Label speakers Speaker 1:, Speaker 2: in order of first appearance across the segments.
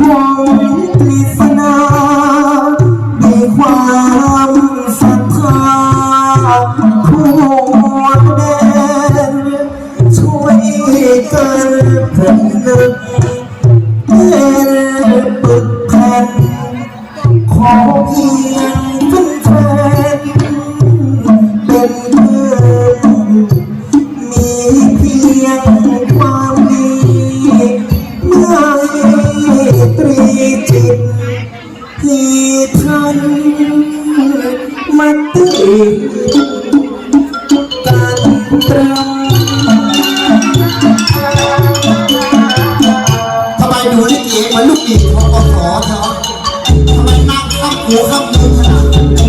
Speaker 1: วงปริศนาด้วยความศรัทธาทั่วแดนช่วยกันผนึกเป็นปึกแผ่นขอเพียงเป็นแฟนเป็นเพื่อนมีเพียงความดีไม่ตรีจิตที่ท่านมาติดกันตรัง
Speaker 2: ทำไมดูลิเกเหมือนลูกอีกของกศเธอทำไมนั่งข้างหูข้างมือขนาด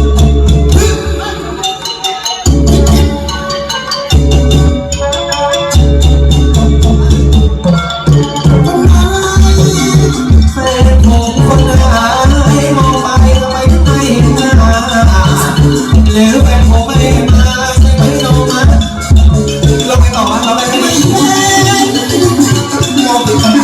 Speaker 1: แฟนผมคนหายมองไปทำไมถึงไม่มาหรือแฟนผมไม่มาใช่ไหมน้องมาเราไปต่อเราไปไม่ได้
Speaker 2: มองไปกัน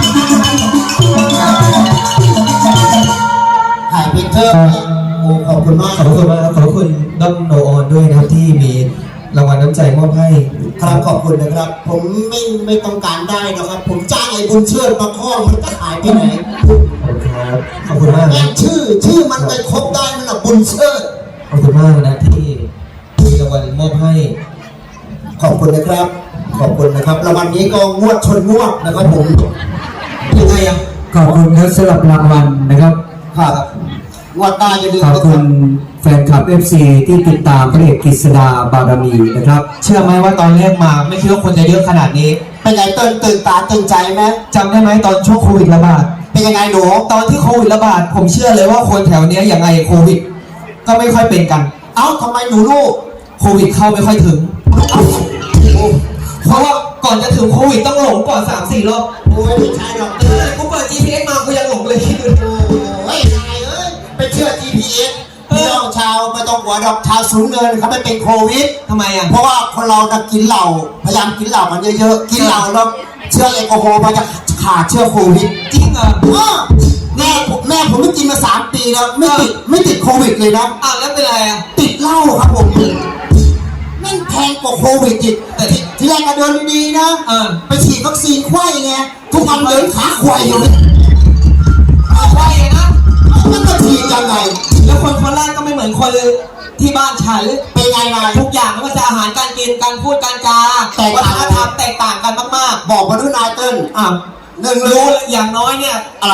Speaker 2: ถ่ายเพนเทอร์โอ้ขอบคุณมาก
Speaker 1: ขอบคุณมากขอบคุณด้อมโนออนด้วยนะครับที่มีรางวัลน้ำใจมอบให้
Speaker 2: ครับขอบคุณนะครับผมไม่ต้องการได้นะครับผมจ้างไอ้บุญเชิดมาคล้องมันจะหายไปไหน
Speaker 1: ครับขอบคุณมากนะ
Speaker 2: ชื่อมันไปครบได้มันอะบุญเชิด
Speaker 1: ขอบคุณมากนะที่มีรางวัลมอบให้
Speaker 2: ขอบคุณนะครับขอบคุณนะครับรางวัลนี้ก็งวดชนงวดนะครับผมยังไงอะ
Speaker 3: ขอบคุณครับสำหรับรางวัลนะครับ
Speaker 2: ครับงวดตาจะลืม
Speaker 3: ขอบคุณแฟนคลับ FC ที่ติดตามพระเอกกฤษดาบารมีนะครับ
Speaker 1: เชื่อไหมว่าตอนแรกมาไม่คิดว่าคนจะเยอะขนาดนี้
Speaker 2: เป็นไงตื่นตาตื่นใจไหม
Speaker 1: จำได้ไหมตอนช่วงโควิดระบาด
Speaker 2: เป็นยังไงหนู
Speaker 1: ตอนที่โควิดระบาดผมเชื่อเลยว่าคนแถวนี้อย่างไงโควิดก็ไม่ค่อยเป็นกัน
Speaker 2: เอ้าทำไมหนูลูก
Speaker 1: โควิดเข้าไม่ค่อยถึงเพราะว่าก่อนจะถึงโควิดต้องหลงก่อน 3-4 รอบ
Speaker 2: โอ้ยไม่ใช่หรอก
Speaker 1: กูเปิด GPS มากูยังหลงเลย
Speaker 2: โอ้ยนายไปเชื่อ GPS พี่น้องชาวไม่ต้องหัวดอกชาวสูงเงินเขาไม่เป็นโควิด
Speaker 1: ทำไมอ่ะ
Speaker 2: เพราะว่าคนเราจะกินเหล้าพยายามกินเหล้ามันเยอะๆกินเหล้าแล้วเชื้อแอลกอฮอล์มันจะขาดเชื้อโควิด
Speaker 1: จริงเหรอ
Speaker 2: แม่ผมไม่กินมา3 ปีแล้วไม่ติดโควิดเลยนะ
Speaker 1: อ้าวแล้วเป็นไรอ่ะ
Speaker 2: ติดเหล้าครับผมแม่งแพงกว่าโควิดอีกแต่ที่แรกก็เดินดีๆนะไปฉีดวัคซีนไข้ไงทุกวันเดินขาควายอยู่
Speaker 1: ควายนะ
Speaker 2: มันก็ฉีดยังไง
Speaker 1: แล้วคนโคราชก็ไม่เหมือนคนที่บ้านฉัน
Speaker 2: เป็นไงนาย
Speaker 1: ทุกอย่างไม่ว่าจะอาหารการกินการพูดการจาวัฒนธรรมแตกต่างกันมาก
Speaker 2: ๆบอกมาด้วยนายเติ้ล
Speaker 1: หนึ่งรู้อย่างน้อยเนี่ย